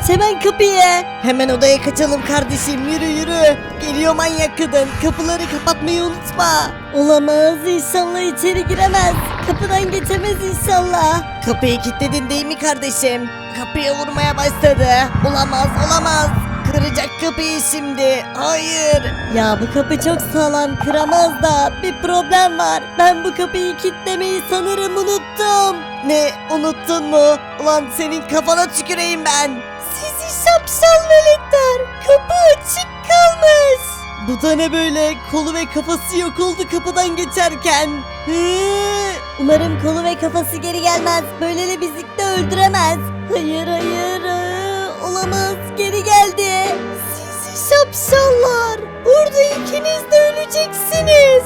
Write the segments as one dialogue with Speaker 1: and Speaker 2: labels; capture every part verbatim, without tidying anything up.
Speaker 1: aç hemen kapıyı. Hemen odaya kaçalım kardeşim, yürü yürü. Geliyor manyak kadın, kapıları kapatmayı unutma. Olamaz, inşallah içeri giremez. Kapıdan geçemez inşallah. Kapıyı kilitledin değil mi kardeşim? Kapıya vurmaya başladı. Olamaz olamaz. Kıracak kapıyı şimdi. Hayır. Ya bu kapı çok sağlam, kıramaz da bir problem var. Ben bu kapıyı kilitlemeyi sanırım unuttum. Ne, unuttun mu? Ulan senin kafana tüküreyim ben. Sizi şapşal veletler. Kapı açık kalmış. Bu da ne böyle? Kolu ve kafası yok oldu kapıdan geçerken. Hı? Umarım kolu ve kafası geri gelmez. Böylele bizi de öldüremez. Hayır hayır. Aa, olamaz. Geri geldi. Sizi şapşallar. Burada ikiniz de öleceksiniz.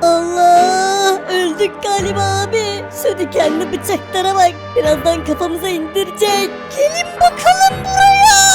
Speaker 1: Allah, öldük galiba abi. Şu dikenli bıçaklara bak. Birazdan kafamıza indirecek. Gelin bakalım buraya.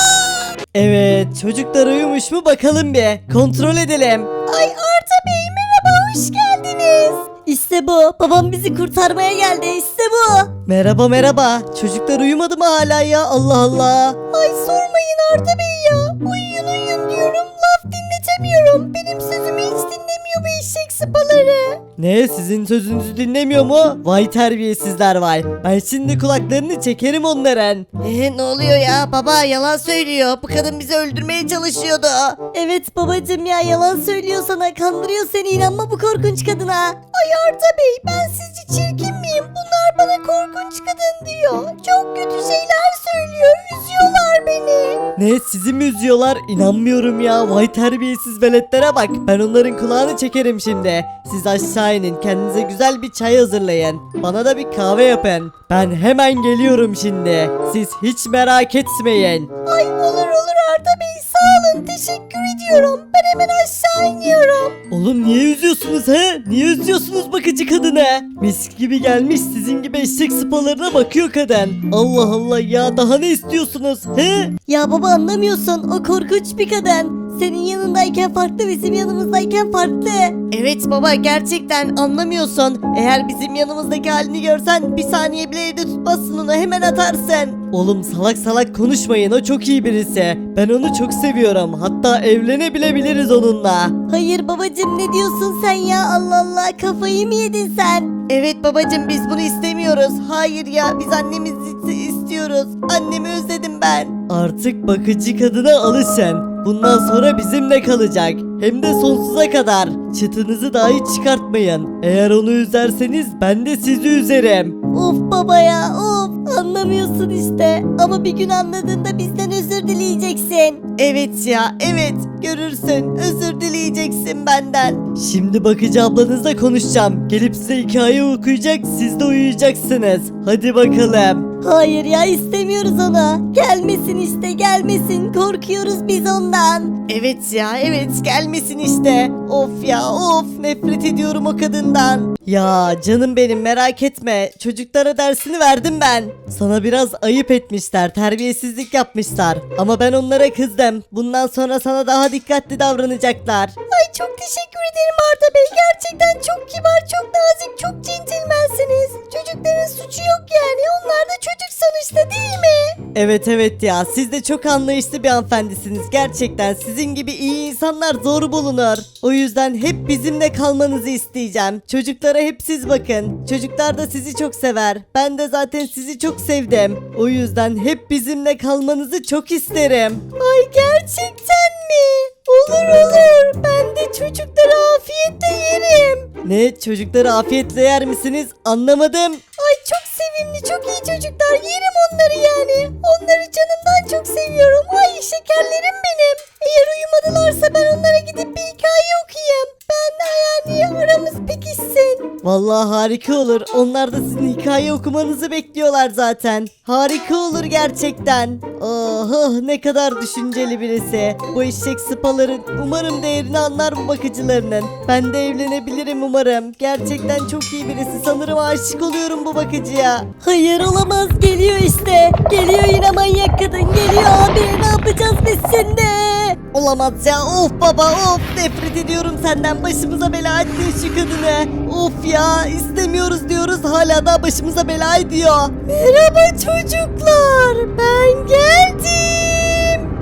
Speaker 1: Evet, çocuklar uyumuş mu bakalım bir. Kontrol edelim. Ay Arda Bey, merhaba, hoş geldiniz. İşte bu. Babam bizi kurtarmaya geldi. İşte bu. Merhaba merhaba. Çocuklar uyumadı mı hala ya? Allah Allah. Ay sormayın Arda Bey ya. Uyuyun uyuyun diyorum. Laf dinletemiyorum. Benim sözümü hiç dinlemiyor bu eşek sıpaları. Ne? Sizin sözünüzü dinlemiyor mu? Vay terbiyesizler vay. Ben şimdi kulaklarını çekerim onların. Eee ne oluyor ya? Baba yalan söylüyor. Bu kadın bizi öldürmeye çalışıyordu. Evet babacım ya, yalan söylüyor sana. Kandırıyor seni, inanma bu korkunç kadına. Ay Arda Bey, ben sizce çirkin miyim? Bunlar bana korkunç kadın diyor. Çok kötü şeyler söylüyor. Üzüyorlar beni. Ne, sizi mi üzüyorlar? İnanmıyorum ya. Vay terbiyesiz veletlere bak. Ben onların kulağını çekerim şimdi. Siz aşağı inin. Kendinize güzel bir çay hazırlayın. Bana da bir kahve yapın. Ben hemen geliyorum şimdi. Siz hiç merak etmeyin. Ay olur olur Arda Bey, sağ olun, teşekkür ediyorum. Ben hemen aşağı iniyorum. Oğlum niye üzüyorsunuz he? Niye üzüyorsunuz bakıcı kadını? Mis gibi gelmiş, sizin gibi eşek sıpalarına bakıyor kadın. Allah Allah ya, daha ne istiyorsunuz he? Ya baba anlamıyorsun, o korkunç bir kadın. Senin yanındayken farklı, bizim yanımızdayken farklı. Evet baba, gerçekten anlamıyorsun. Eğer bizim yanımızdaki halini görsen bir saniye bile evde tutmazsın, onu hemen atarsın. Oğlum salak salak konuşmayın, o çok iyi birisi. Ben onu çok seviyorum, hatta evlenebilebiliriz onunla. Hayır babacım, ne diyorsun sen ya, Allah Allah, kafayı mı yedin sen? Evet babacım, biz bunu istemiyoruz. Hayır ya, biz annemizi istiyoruz. Annemi özledim ben. Artık bakıcı kadına alışın. Bundan sonra bizimle kalacak. Hem de sonsuza kadar. Çıtınızı dahi çıkartmayın. Eğer onu üzerseniz ben de sizi üzerim. Of baba ya of. Anlamıyorsun işte. Ama bir gün anladığında bizden özür dileyeceksin. Evet ya evet. Görürsün. Özür dileyeceksin benden. Şimdi bakıcı ablanızla konuşacağım. Gelip size hikaye okuyacak. Siz de uyuyacaksınız. Hadi bakalım. Hayır ya, istemiyoruz onu. Gelmesin işte, gelmesin. Korkuyoruz biz ondan. Evet ya evet, gelmesin işte. Of ya of, nefret ediyorum o kadından. Ya canım benim, merak etme. Çocuklara dersini verdim ben. Sana biraz ayıp etmişler, terbiyesizlik yapmışlar. Ama ben onlara kızdım. Bundan sonra sana daha dikkatli davranacaklar. Ay çok teşekkür ederim Arda Bey. Gerçekten çok kibar, çok nazik, çok centilmensiniz. Çocukların suçu yok yani. Onlar da çocuk sonuçta, değil mi? Evet evet ya, siz de çok anlayışlı bir hanımefendisiniz. Gerçekten sizin gibi iyi insanlar zor bulunur. O yüzden hep bizimle kalmanızı isteyeceğim. Çocuklara hep siz bakın. Çocuklar da sizi çok sever. Ben de zaten sizi çok sevdim. O yüzden hep bizimle kalmanızı çok isterim. Ay gerçekten mi? Olur olur. Ben de çocukları afiyetle yerim. Ne? Çocukları afiyetle yer misiniz? Anlamadım. Ay çok sevimli, çok iyi çocuklar. Yerim onları yani. Onları canımdan çok seviyorum. Ay şekerlerim benim. Eğer uyumadılarsa ben onlara gidip bir hikaye okuyayım. Ben yani aramız pekişsin. Vallahi harika olur. Onlar da sizin hikaye okumanızı bekliyorlar zaten. Harika olur gerçekten. Oh, oh ne kadar düşünceli birisi. Bu eşek sıpaların umarım değerini anlar bu bakıcılarının. Ben de evlenebilirim umarım. Gerçekten çok iyi birisi. Sanırım aşık oluyorum bu bakıcıya. Hayır olamaz, geliyor işte. Geliyor yine manyak kadın. Geliyor abi, ne yapacağız biz şimdi? Olamaz ya, of baba of, nefret ediyorum senden. Başımıza bela ettin şu kadını. Of ya, istemiyoruz diyoruz, hala da başımıza bela ediyor. Merhaba çocuklar, ben geldim.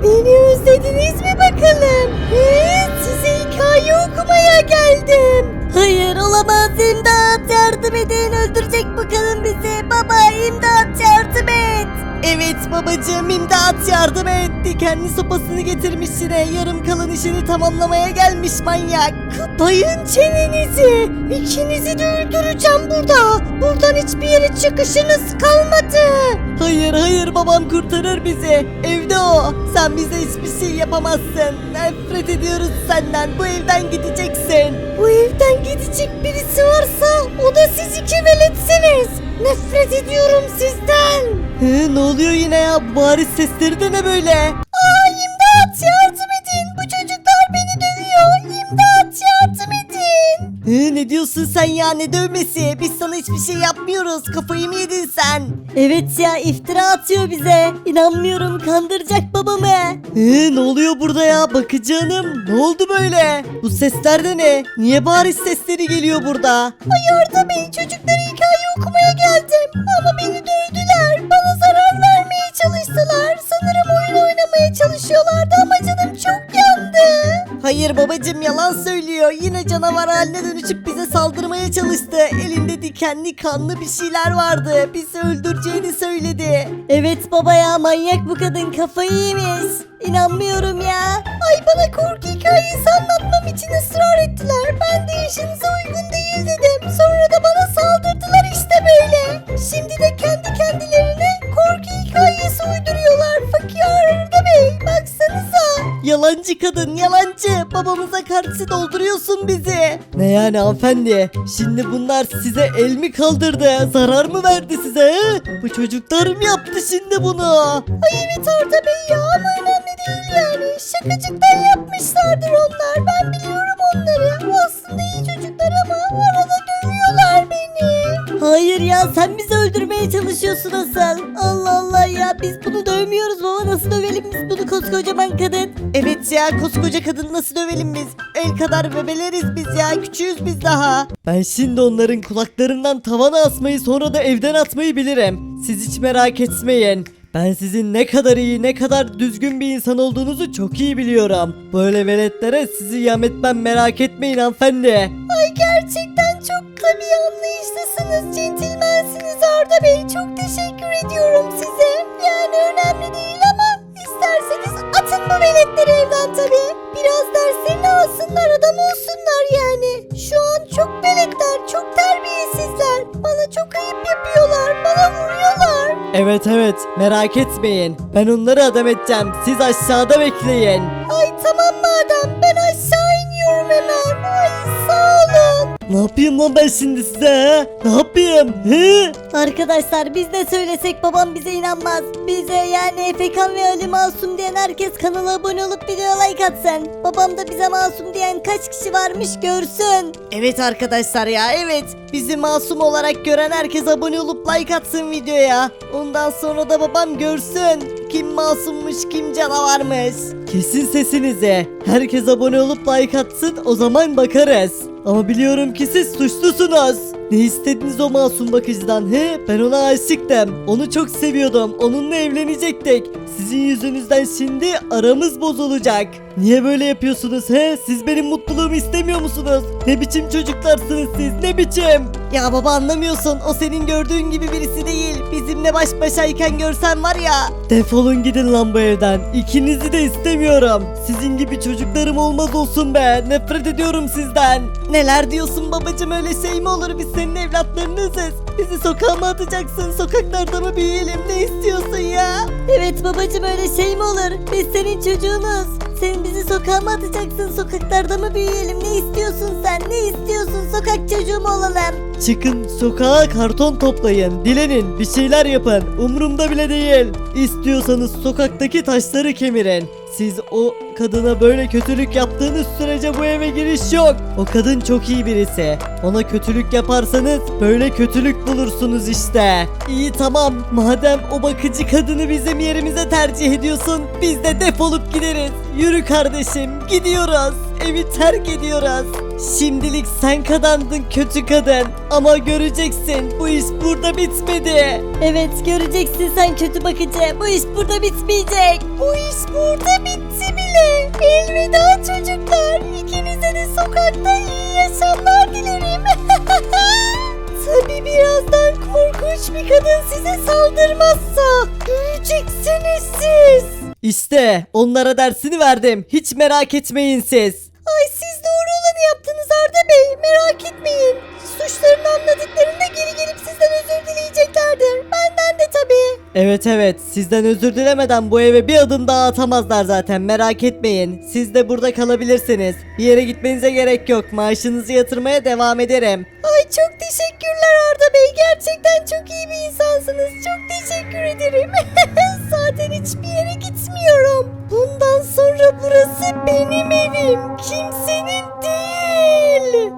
Speaker 1: Beni özlediniz mi bakalım? He, size hikaye okumaya geldim. Hayır olamaz, imdat yardım edin, öldürecek bakalım bizi. Baba imdat yardım et. Evet babacığım, imdat yardım et. Dikenli sopasını getirmiş yine, yarım kalan işini tamamlamaya gelmiş manyak. Kapayın çenenizi. İkinizi de öldüreceğim burada. Buradan hiçbir yere çıkışınız kalmadı. Hayır hayır, babam kurtarır bizi. Evde o. Sen bize hiçbir şey yapamazsın. Nefret ediyoruz senden. Bu evden gideceksin. Bu evden gidecek birisi varsa o da siz iki veletsiniz. Nefret ediyorum sizden. He, ne oluyor yine ya? Bariz sesleri de ne böyle? Aa, imdat yardım edin. Bu çocuklar beni dövüyor. İmdat yardım edin. He, ne diyorsun sen ya, ne dövmesi? Biz sana hiçbir şey yapmıyoruz. Kafayı mı yedin sen? Evet ya, iftira atıyor bize. İnanmıyorum, kandıracak babamı. He, ne oluyor burada ya? Bakıcı hanım, ne oldu böyle? Bu sesler de ne? Niye bariz sesleri geliyor burada? Ay Arda Bey, çocuklara hikaye okumaya geldim. Ama beni dövdüler. Bana zarar vermeye çalıştılar. Sanırım oyun oynamaya çalışıyorlardı ama canım çok yandı. Hayır babacım, yalan söylüyor. Yine canavar haline dönüşüp bize saldırmaya çalıştı. Elinde dikenli kanlı bir şeyler vardı. Bizi öldüreceğini söyledi. Evet baba ya, manyak bu kadın, kafayı yemiş. İnanmıyorum ya. Ay, bana korku hikayesi anlatmam için ısrar ettiler. Ben de yaşınıza uygun değil dedim. Sonra da bana saldırdılar işte böyle. Şimdi de kendi kendilerine korku hikayesi uyduruyorlar. Fakir Arda Bey, baksanıza. Yalancı kadın, yalancı. Babamıza karşı dolduruyorsun bizi. Ne yani hanımefendi? Şimdi bunlar size el mi kaldırdı? Zarar mı verdi size? He? Bu çocuklar mı yaptı şimdi bunu? Ay evet Arda Bey ya, ama önemli değil yani. Şakacıktan yapmışlardır onlar. Ben biliyorum onları. Aslında iyi çocuklar ama arada dövüyorlar beni. Hayır ya, sen bizi öldürmeye çalışıyorsun asıl. Allah Allah ya, biz bunu dövmüyoruz baba, nasıl dövelim biz bunu, koskocaman kadın. Evet ya, koskoca kadın nasıl dövelim biz? El kadar bebeleriz biz ya, küçüğüz biz daha. Ben şimdi onların kulaklarından tavana asmayı, sonra da evden atmayı bilirim. Siz hiç merak etmeyin. Ben sizin ne kadar iyi, ne kadar düzgün bir insan olduğunuzu çok iyi biliyorum. Böyle veletlere sizi yem etmem, merak etmeyin hanımefendi. Ay gerçekten çok tabii anlayışlısınız, centilmensiniz Arda Bey. Çok teşekkür ediyorum size. Yani önemli değil ama isterseniz atın bu veletleri evden tabii. Biraz derslerini alsınlar, adam olsunlar yani. Şu an çok veletler, çok terbiyesizler. Bana çok ayıp yapıyorlar, bana vuruyorlar. Evet evet, merak etmeyin. Ben onları adam edeceğim. Siz aşağıda bekleyin. Ay tamam madem, ben aşağı iniyorum hemen. Ay sağ olun. Ne yapayım lan ben şimdi size he? Ne yapayım? He? Arkadaşlar biz ne söylesek babam bize inanmaz. Bize yani Efekan ve Ali masum diyen herkes kanala abone olup videoya like atsın. Babam da bize masum diyen kaç kişi varmış görsün. Evet arkadaşlar ya, evet. Bizi masum olarak gören herkes abone olup like atsın videoya. Ondan sonra da babam görsün kim masummuş, kim canavarmış. Kesin sesinizi. Herkes abone olup like atsın, o zaman bakarız. Ama biliyorum ki siz suçlusunuz. Ne istediniz o masum bakıcıdan he? Ben ona aşıktım. Onu çok seviyordum. Onunla evlenecektik. Sizin yüzünüzden şimdi aramız bozulacak. Niye böyle yapıyorsunuz he? Siz benim mutluluğumu istemiyor musunuz? Ne biçim çocuklarsınız siz? Ne biçim? Ya baba anlamıyorsun. O senin gördüğün gibi birisi değil. Bizimle baş başayken görsen var ya. Defolun gidin lan bu evden. İkinizi de istemiyorum. Sizin gibi çocuklarım olmaz olsun be. Nefret ediyorum sizden. Neler diyorsun babacım, öyle şey mi olur? Biz senin evlatlarınızız. Bizi sokağa mı atacaksın? Sokaklarda mı büyüyelim? Ne istiyorsun ya? Evet babacım, öyle şey mi olur? Biz senin çocuğunuz. Sen bizi sokağa mı atacaksın? Sokaklarda mı büyüyelim? Ne istiyorsun sen? Ne istiyorsun? Sokak çocuğu mu olalım? Çıkın sokağa, karton toplayın, dilenin, bir şeyler yapın. Umurumda bile değil. İstiyorsanız sokaktaki taşları kemirin. Siz o kadına böyle kötülük yaptığınız sürece bu eve giriş yok. O kadın çok iyi birisi. Ona kötülük yaparsanız böyle kötülük bulursunuz işte. İyi tamam, madem o bakıcı kadını bizim yerimize tercih ediyorsun, biz de defolup gideriz. Yürü kardeşim, gidiyoruz. Evi terk ediyoruz. Şimdilik sen kazandın kötü kadın. Ama göreceksin bu iş burada bitmedi. Evet göreceksin sen kötü bakıcı. Bu iş burada bitmeyecek. Bu iş burada bitti bile. Elveda çocuklar. İkinize de sokakta iyi yaşamlar dilerim. Tabii birazdan korkunç bir kadın size saldırmazsa göreceksiniz siz. İşte onlara dersini verdim. Hiç merak etmeyin siz. Ay siz doğru olanı yaptınız Arda Bey. Merak etmeyin. Suçlarını anladıklarında geri gelip sizden özür dileyeceklerdir. Benden de tabii. Evet evet sizden özür dilemeden bu eve bir adım daha atamazlar zaten merak etmeyin. Siz de burada kalabilirsiniz. Bir yere gitmenize gerek yok. Maaşınızı yatırmaya devam ederim. Ay çok teşekkürler Arda Bey. Gerçekten çok iyi bir insansınız. Çok teşekkür ederim. Zaten hiçbir yere gitmiyorum. Bundan sonra burası benim evim. Kimsenin değil.